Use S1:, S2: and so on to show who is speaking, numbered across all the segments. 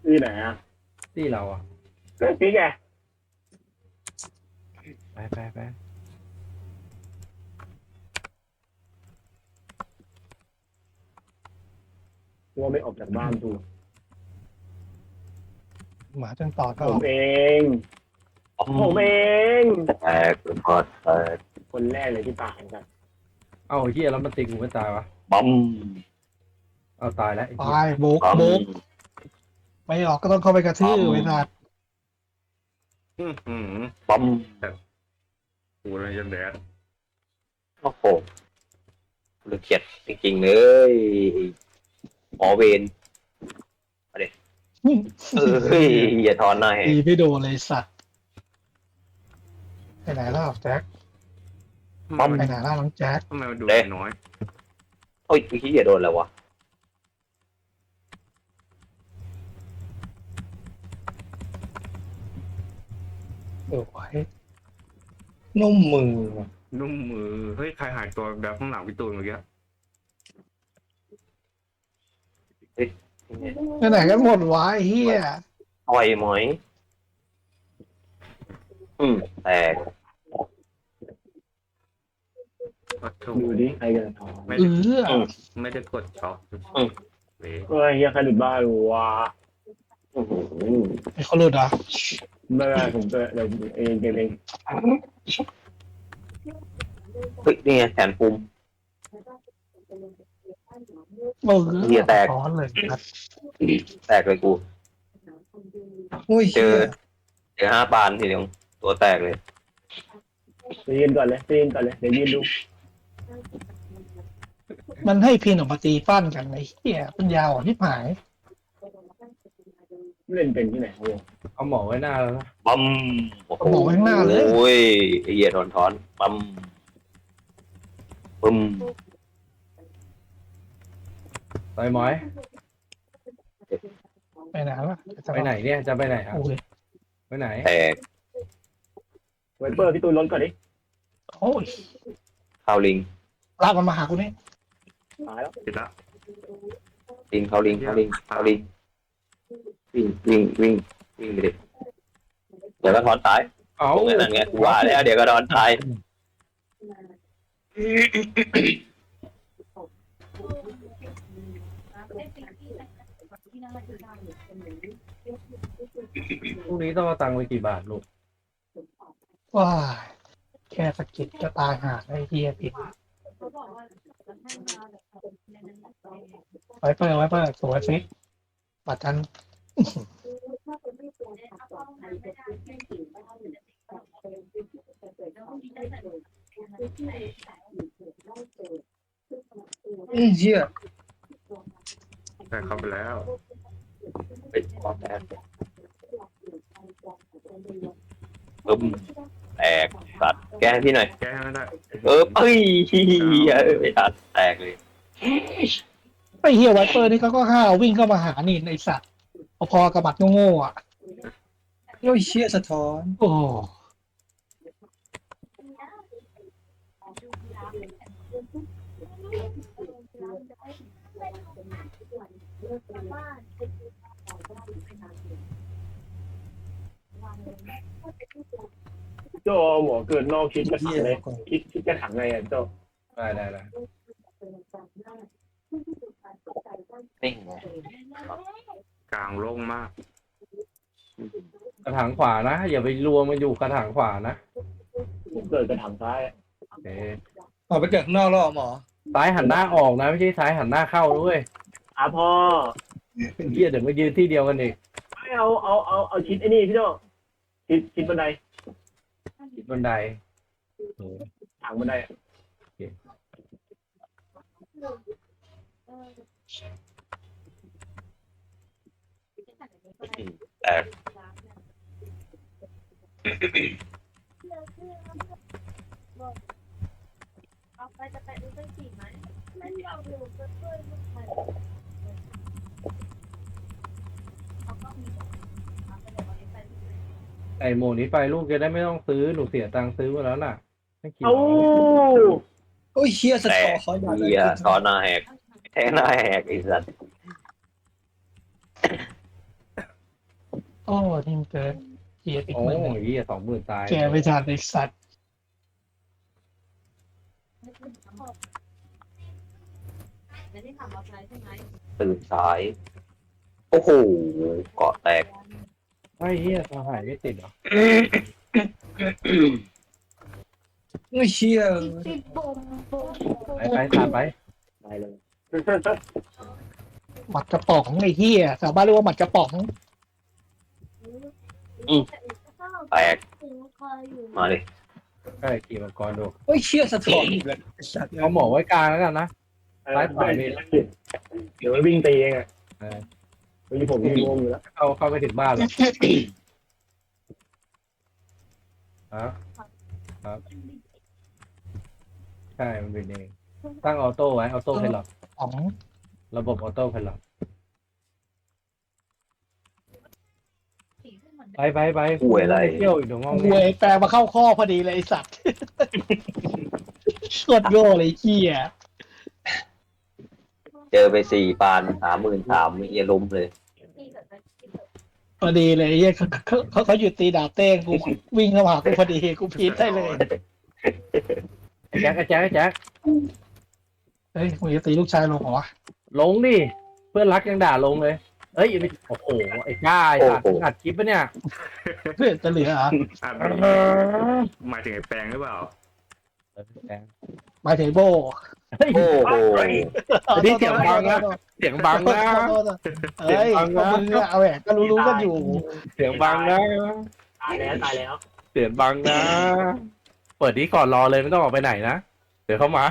S1: ที่ไหนอ่ะ
S2: ที่เราอ่ะ
S1: เกิดพี่แก
S2: ไป
S1: ว่าไม่ออกจากบ้านดู
S3: หมาจนตอดก็
S1: ผม
S3: ออก
S1: เอง
S4: อ๋อ
S1: ผมเอง
S4: แตกพอดแตก
S1: คนแรกเลยที่ตายครับ
S2: เอ้าเฮียแล้วมันตีกูไม่ตายวะ
S4: ปั๊ม
S2: เอาตายแล้วไอ้เฮีย
S3: ตายโบก
S4: ปั๊ม
S3: โบกไม่ออกก็ต้องเข้าไปกระทืบไว้นาด
S4: ปั๊ม
S2: กูเลยยังแดด
S4: โอ้โหluเขียดจริงๆเลยหมอเวรเฮ้ยอย่าทอนหน่อย
S3: ตีไม่โดนเลยสัตว์ไปไหนแล้วแจ็ค
S4: ปั๊ม
S3: ไปไหนแล้วน้องแจ็ค
S2: ทำไมมันดูน้อย
S4: โอ้ยพี่อย่าโดนแล้ววะ
S3: โอ้ยนุ่มมือว่ะ
S2: นุ่มมือเฮ้ยใครหายตัวแบบข้างหลังพี่ตูนเมื่อกี้
S3: ไปไหนกันหมดวะไอ้เฮีย
S4: ต่อยหมอยแตก
S1: ดูดิใครกันทอง
S2: ไม่
S3: เอ
S2: ได้
S3: อ
S2: ไม่ได้กดช็อคเว้ย
S1: เฮ้ยเฮียใครหลุดบ้านวะ
S3: ไอ้เขาหลุดอ่ะ
S1: ไม่ได้ผมจะเดี๋ยวเองเกมเอง
S4: เฮ้ยนี่ไงแขนปุ่ม
S3: เออ
S4: เหี้ยแตก
S3: ร้อนเลยครับ
S4: แตกเลยกู
S3: อุ้ย
S4: เจอ5 ปานทีเดียวตัวแตกเลย
S1: ไปยืนก่อนเลยไปยืนก่อนเลยเดี๋ยวยืนดู
S3: มันให้พินออกมาตีฟันกันไอ้เฮียปัญญาอ่อนที่หาย
S1: เล่นเป็นที่ไหนครับ
S2: เอาหมอไว้หน้าแล้วนะ
S4: ปั๊มโอ้โห
S3: บอกไว้ข้างหน้าเลย
S4: โอ้ยไอ้เหี้ยถอนปั๊มปึ้ม
S2: ต่อยหมอย
S3: ไปไหนวะ
S2: ไปไหนเนี่ยจะไปไหนครับ
S3: โอ้ย
S2: ไปไหน
S4: แตก
S1: ไวเปอร์พี่ตูนล้นก่อนดิ
S3: โอ้ย
S4: เข้าลิง
S3: ลากมันมาหากูนี่
S1: ตายแล้ว
S2: ติดละ
S4: ลิงเข้าลิงวิ่งไปดิเดี๋ยวก็ถอนตาย
S2: เอ้า
S4: ตรงนั้นไงกูว่าแล้วเดี๋ยวก็ถอนตาย
S2: พรุ่งนี้ต้องเอาตังค์ไปกี่บาทลูก
S3: ว้ายแค่สะกิดก็ตายหาไอ้เฮียผิดไว้เปิดสวยฟิกปัดกัน เชี่ย
S2: แต่เข้าไปแล้ว
S4: เป็นความแตกปึ้มแตกสัตว์แกให้พี่หน่อย
S2: แก้ไม่ได้
S4: เอ้ยไม่ทันแตกเลย
S3: ไอ้เฮียไวเปอร์นี่เขาก็ห้าววิ่งเข้ามาหานี่ไอสัตว์พอๆกับบัตรโง่ๆอ่ะ
S5: โอ้ยเชี่ยสะท้อน
S3: โอ้
S1: โจหมอเกิดนอกคิดกระถัง
S5: เหี้ย
S1: เลย
S5: ก่อน
S1: คิดกระถังไงอ่ะโจ
S2: ได้
S4: นิ่งไง
S2: กลางโล่งมาก กระถางขวานะอย่าไปรวมมันอยู่กระถางขวานะ
S1: ผมเกิดกระถังซ้าย
S2: โอเค
S5: ออกไปเกิดข้างนอกแล้วเหรอหมอ
S2: ซ้ายหันหน้าออกนะไม่ใช่ซ้ายหันหน้าเข้าด้วย
S1: พ่อ
S2: เฮียเดี๋ยวมายืนที่เดียวกันอีก
S1: ไม่เอาชิดไอ้นี่พี่โจชิดบันได
S2: ติดบันได
S1: ถังบันไดอะ
S4: แตก
S6: เอาไปจะไปดูเส้นสีไหมไม่ยอมดูเพื่อนลูกใหม่เขาก็มีเอาไปเดี๋ยววันนี้ไปดูเลย
S2: ไอโมนี้ไปลูกจะได้ไม่ต้องซื้อหนูเสียตังค์ซื้อมาแล้วน่ะไม่คิด
S1: เอ้า
S5: โอ้ยเชี่ยสะ
S4: แต
S5: ท้อก นคอยบาดเลย
S4: เหี้ยถอนหน้าแหกแทงหน้าแหกไอ้สัตว์
S3: โอ้ทิ้งเกินเฮียอีก
S2: โอ้
S3: หมื่นหนึ่ง
S2: ยเหี้ย20,000ตาย
S3: แกไม่ทันไอ้สัตว์
S6: ไม่ได้ทำอะไรใช่ไหม
S4: ตื่นสาย โอ้โหเกาะแตก
S2: ไอ้เหี้ยทหารไม่ติดเหรอ
S5: โอ้ยเชี่ย
S6: ติดบมบม
S2: ไปผ่านไป
S1: ตายเลย
S3: หมัดกระป๋องไอ้เฮียชาวบ้านเรียกว่าหมัดกระป๋อง
S4: แตกมาดิ
S2: ใช่ขี่มังกรดู
S5: โอ้ยเชี่ยสะท้อนอีกแล้วไอ้สัตว์
S2: เอาหมอไว้กลางแล้วกันนะ ซ้ายขวามี
S1: เดี๋ยววิ่งตีเองอ่ะ
S2: เออ
S1: วันนี้ผมมีวงอยู่แล้ว
S2: เข้าไปถึงบ้านแล้วครับครับใช่มันเป็นเองตั้งออโต้ไว้ออโต้ไพลอต
S3: ของ
S2: ระบบออโต้ไพลอตไป
S4: ป่วยอะไร
S2: เที่ยวอีกเดี๋ยวงง
S3: หวยแปลมาเข้าข้อพอดีเลยไอ้สัตว์โคตรโง่เลยไอ้เฮีย
S4: เจอไป4 ปาน33,000มีเอียล้มเลย
S3: พอดีเลยไอ้เฮียเขาหยุดตีดาบเต้งกูวิ่งเข้ามาหากูพอดีกูพีทได้เลย
S2: แจ็ค
S3: เฮ้ยมึงจะตีลูกชายลงเหรอวะ
S2: ลงดิเพื่อนรักยังด่าลงเลยเอ้ยโอ้โหไอ้ก้าไอ้สัตว์อัดคลิปปะเนี่ย
S3: เพื่อนจะเหลือเหรอ
S7: หมายถึงไอ้แปลงหรือเปล่า
S3: หมายถึงโบ
S2: เฮ้ย
S4: โอ้โห
S2: นี่เสียงบังนะ เสียงบังนะ
S3: เฮ้ยก็มึงอะเอาแหละก็รู้ๆกันอยู่
S2: เสียงบังนะ
S1: ตายแล้ว
S2: เสียงบังนะ เปิดนี้ก่อนรอเลยไม่ต้องออกไปไหนนะ เดี๋ยวเข้ามา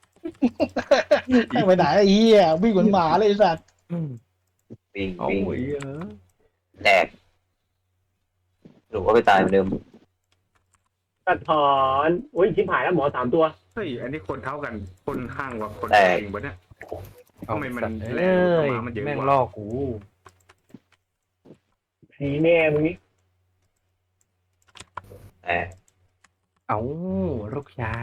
S3: ไปไหนไอ้เหี้ยวิ่งเหมือนหมาเลยไอ้สัตว์
S4: วิ่ง
S2: เอา
S4: วิ่ง
S2: หวยเออ
S4: แตกหนูก็ไปตายเหมือนเดิม
S1: สะท้อนอุ้ยชิบหายแล้วหมอ3 ตัว
S7: เฮ้ย อันนี้คนเท่ากัน คนห้างกว่าคน
S4: แตก
S7: จริงปะเนี่ย
S2: เอา
S7: ทำไมมัน
S2: สัตว์
S7: แร
S2: เอ้
S7: ง
S2: ย
S7: กว่ามันเยอะ
S2: แม่ง
S7: กว่า
S2: ล่อกู
S1: ผีแน่มึงนี่
S4: แตก
S2: เอาลูกชาย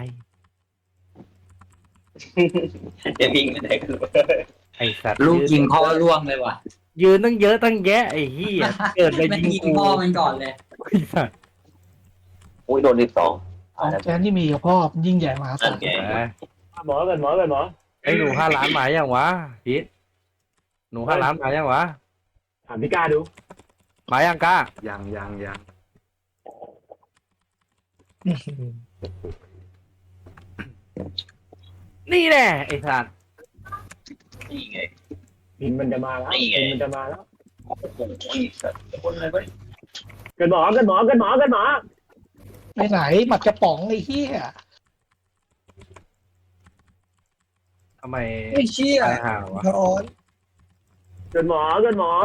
S4: จะวิ่งไม่ได้กันเลย
S2: ไอ้สัตว์
S8: ลูกยิงพ่อร่วงเลยว่ะ
S2: ยืนตั้งเยอะตั้งแยะไอ้เหี้ยเกิดไป
S8: มัน
S2: ยิง
S8: ยิง
S2: กู
S8: พ่อมันก่อนเลย
S2: ไอ้สัตว์
S4: อุ้ยโดน12
S3: ของแกนที่มีกับพ่อมันยิ่งใหญ่มหาศาล
S4: แก
S2: แหม
S1: หมอกันหมอ
S2: ไอ้หนู5 ล้านหมายยังวะพีทหนู5 ล้านหมายยังวะ
S1: ถามพี่ก้าดู
S2: หมายยังกล้า
S7: ยัง
S2: นี่แน่ไอ้สัตว์
S4: นี่ไง
S1: พินมันจะมาแล้ว
S4: นี่ไง
S1: พินมันจะมาแล้ว
S4: โอ้โหสัตว์คนอะไรวะ
S1: กันหมอ
S3: ไปไหนหมัดกระป๋องไอ้เหี้ย
S2: ทำไม
S5: ไอ้เชี่ย
S2: ตายห่าวะ
S5: สะท้อน
S1: กันหมอ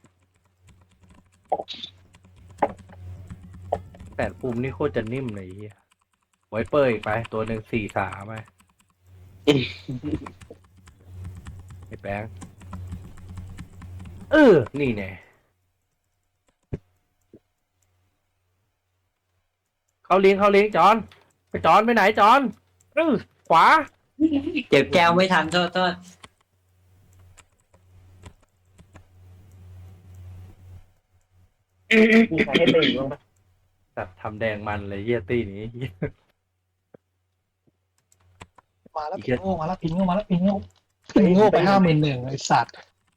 S2: แต่ปุ่มนี่โคตรจะนิ่มเลยไอ้เหี้ยไวเปอร์อีกไป ตัวหนึ่ง4-3ไปไอ้แป้งนี่แน่เขาเลี้ยงจอนไปจอนไปไหนจอนขวา
S8: เจ็บแก้วไม่ทันโทษ
S1: มีใครให้ตีบ้างปะ
S2: สัตว์ทำแดงมันเลยเยี่ยตี้นี้
S3: มาแล้วพิงโง่มาแล้วพิงโง่ไป51,000ไอ้สัตว์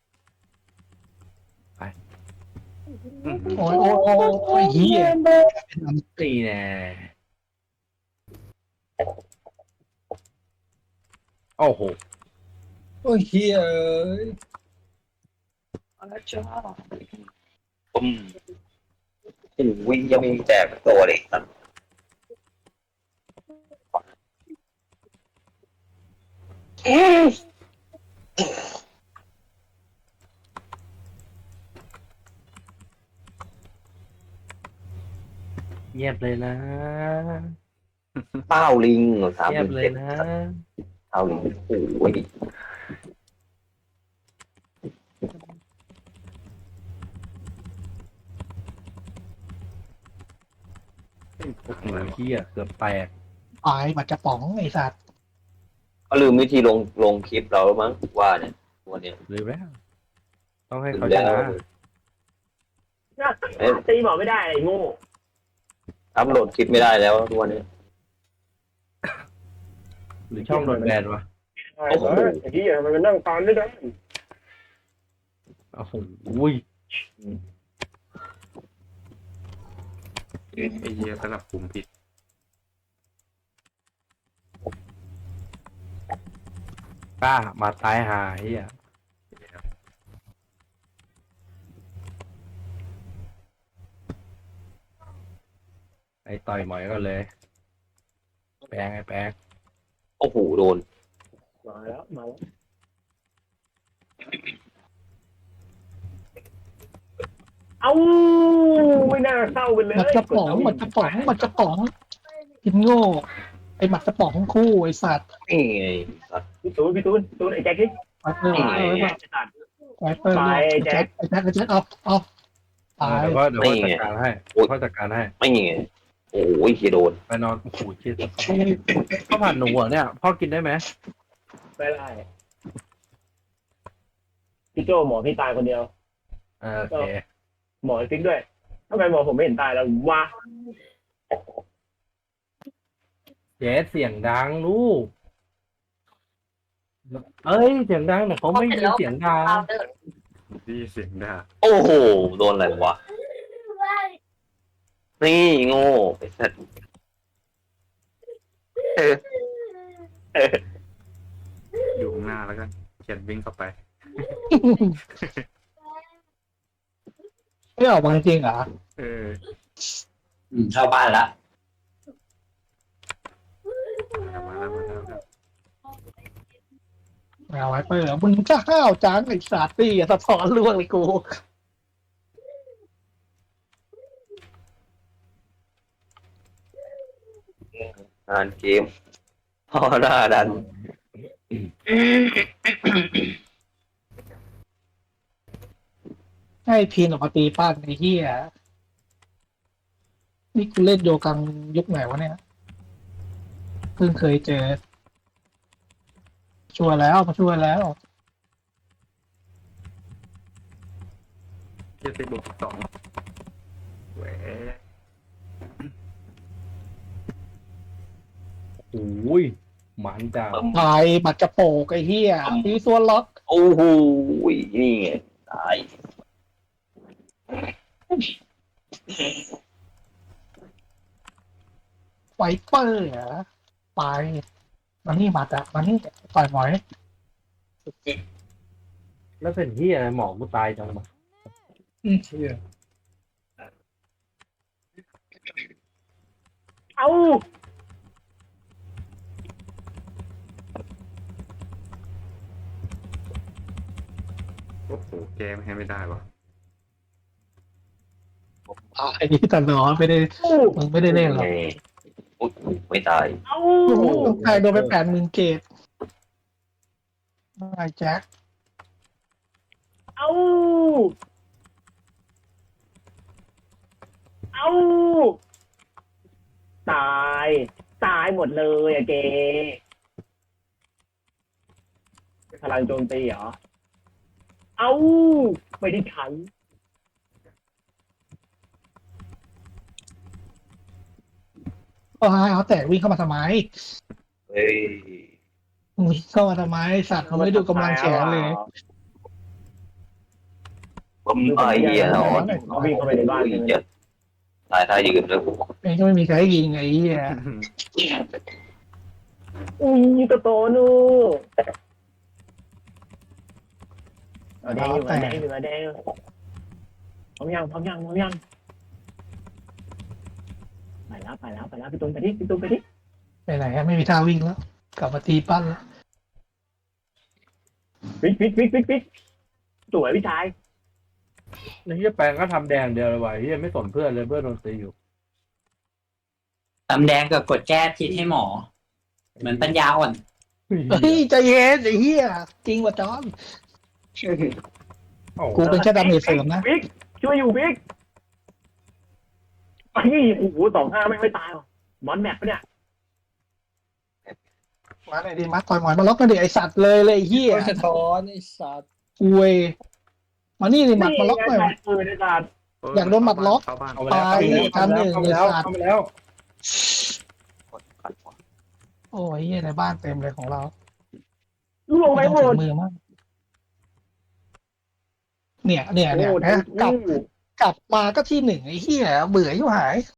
S3: โอ้ยเหี้ย
S2: นี่แน่โอ้โห
S5: โอ้ยเชี่ย
S4: อะไรจ้าปุ้มโอ้ยยังมีแตกตัวเลยสัตว์
S2: เงียบเลยนะ
S4: เต้าลิง
S2: เงียบเลย
S4: 37,000
S2: นะ
S4: เต้าลิงโอ้ย
S2: โอ้โหเหี้ยเกือบแตก
S3: ตายหมัดกระป๋องไอ้สัตว์
S4: เขาลืมวิธีลงคลิปเราแล้วมั้งว่าเนี่ยวันเนี้ย
S2: ลืมแล้ว ต้องให้
S4: ลื
S2: เขา
S4: ม
S2: ช
S4: แล้ว
S2: นะ
S1: ตีหมอไม่ได้ไอ้โง่
S4: อัพโหลดคลิปไม่ได้แล้วทุกวันนี้
S2: หรือช่องโดนแบนวะ
S1: ไอ้ที่มันนั่งตอนไม่ได้
S2: โอ้โห
S7: ไอ้เหี้ยสลับกลุ่มผิด
S2: กล้ามาตายหาเฮียไอ้ต่อยหมอยก็เลย แปลงไอ้แปลง
S4: โอ้โหโดน
S1: มาแล้วเอ้าไม่น่าเศร้าไปเลย
S3: หมัดกระป๋องกินโง่ไอหมัดกระป๋องคู่ไอสัตว์
S4: นี่ไงสัตว์
S1: พี่ตูนไอ้แจ็คที่
S3: ไวเปอร์ไวเปอร์ไอแจ็คเอาตาย
S2: เดี๋ยวก็จัดการให้เขาจัดการให้
S4: ไม่ไงโอ้ยเฮียโดน
S2: ไปนอนโอ้โหเชี่ยข้าวผัดหนูเหรอเนี่ยพ่อกินได้ไหม
S1: ไม่ได้พี่โจหมอพี่ตายคนเดียว
S2: โอเค
S1: หมอฟิกด้วยทำไมหมอผมไม่เห็นตายแล้ววะ
S2: เจ๊เสียงดังลูกเอ้ยเสียงดังแต่เขาไม่มีเสียงดัง
S7: ดีเสียงด่า
S4: โอ้โหโดนอะไรวะนี่โง่ไอ้สัตว์
S7: อยู่ข้างหน้าแล้วกันเขียนวิ่งเข้าไป
S3: ไม่ออกมาจริงเหรอ
S7: เออ
S8: เข้าบ้านละ
S7: มาแล้ว
S3: เอาไวเปอร์มึงก็ห้าวจังไอสัตว์นี่สะท้อนล่วงเลยกู
S4: งานเกมพอหน้าดัน
S3: ให้พีนออกมาตีป้านไอ้เหี้ยนี่กูเล่นโยกังยุคไหนวะเนี่ยเพิ่งเคยเจอช่วยแล้วมาช่วยแล้ว
S7: เจ็ดสิบบวก12เว้ย
S2: โอ้ยหมันจ้า
S3: ตายบัตรกระโปกไอ้เหี้ยตีส่วนล็อก
S4: โอ้โหนี่ไงตาย
S3: ไวเปอร์เหรอไปมานี่บัตรอะมานี่ต่อยหมอย
S2: แล้วเป็นที่อะไรหมอกูตายจังวะ
S5: เชี่ย
S1: เอ้า
S7: โอ้โหแกมให้ไม่ได้วะ
S3: ไอ้นี่ตลอดไม่ได้มึงไม่ได้เล่นหรอก
S4: ไงอุ๊ยไม่ตาย
S1: เอ้า
S3: ต้องใครโดนไป80,000 เกตไอ้แจ็ค
S1: เอ้าตายหมดเลยอะเกพลังโจมตีเหรอเอ้าไม่ได้ใช้
S3: ก็ให้เขาแต่วิ่งเข้ามาทำไม
S4: เฮ้ย
S3: วิ่งเข้ามาทำไมสัตว์เขาไม่ดูกำลังแขนเลย
S4: ผมไอ้เหี้ยนอน
S1: เขาวิ่งเข้าไปในบ้านเลย
S4: จะตายท่ายืนแล้ว
S3: เองก็ไม่มีใครยิงไอ้เหี้ย
S1: ตัวโตนูเอาแดงอยู่เอาแดงอยู่เอาแดงพร้อมยังไปแล้วพี่ตูนไปดิ
S3: ไปไหนอะไม่มีท่าวิ่งแล้ว กลับมาตีปั้นแล้ว
S1: ปิ๊กสวยพี่ชาย
S2: ไอ้เฮียแปลงก็ทำแดงเดียวเลยว่ะเฮียไม่สนเพื่อนเลยเพื่อนโดนตีอยู่
S8: ตำแดงกับกดแก้พิษให้หมอ เหมือนปัญญาอ่อน
S3: เฮ้ยใจเย็นไอ้เหี้ยจริงว่ะจอม
S2: โอ้โห
S3: กูเป็นแค่ดาเมจเสริมนะ
S1: ปิ๊กช่วยอยู่ปิ๊กไอ้โอ้โห25ไม่ตายหรอมอนแมปปะเนี่ย
S3: มาเลยดิมาต่อยหมอยมาล็อกกันดิไอสัตว์เลยไอ้เหี้ย
S5: โอ้ยสะท้อนไอ้สัตว์
S3: อวยมานี่ดิหมัดมาล็อกหน่อย
S1: ปืนในการ
S3: อยากโดนหมัดล็อก
S7: เข้าบ้าน
S2: เข้ามาแล้วเข้ามาแล้วเข้ามาแล้วเข้ามาแล้ว
S3: โอ้ยเหี้ยในบ้านเต็มเลยของเรา
S1: ลูกลงไปหม
S3: ถึ
S1: ด
S3: งมือมากเนี่ยนะกลับมาก็ที่หนึ่งไอ้เหี้ยเบื่ออยู่หาย